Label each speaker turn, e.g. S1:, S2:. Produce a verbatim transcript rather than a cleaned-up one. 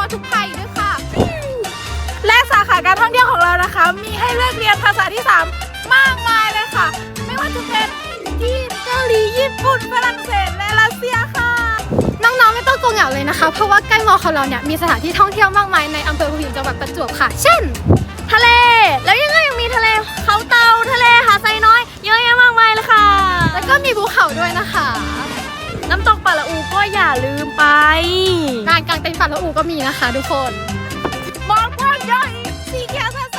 S1: อทุกภัยด้วยค่ะและสาขาการท่องเที่ยวของเรานะคะมีให้เลือกเรียนภาษาที่สามมากมายเลยค่ะไม่ว่าจะเป็นจีนเกาหลีญี่ปุ่นฝรั่งเศสและรัสเซียค่ะน้องๆไม่ต้องกลัวเหงาเลยนะคะเพราะว่าใกล้มอของเราเนี่ยมีสถานที่ท่องเที่ยวมากมายในอำเภอหัวหินจังหวัดประจวบค่ะเช่นทะเลแล้วยังไงยังมีทะเลเขาเตาทะเลหาดไซน้อยเยอะแยะมากมายเลยค่ะแล้วก็มีภูเขาด้วยนะคะน้ำตกป่าละอูก็อย่าลืมไปงานกางเต็นท์ป่าละอูก็มีนะคะทุกคนมองกว้างใหญ่สีเขียวสด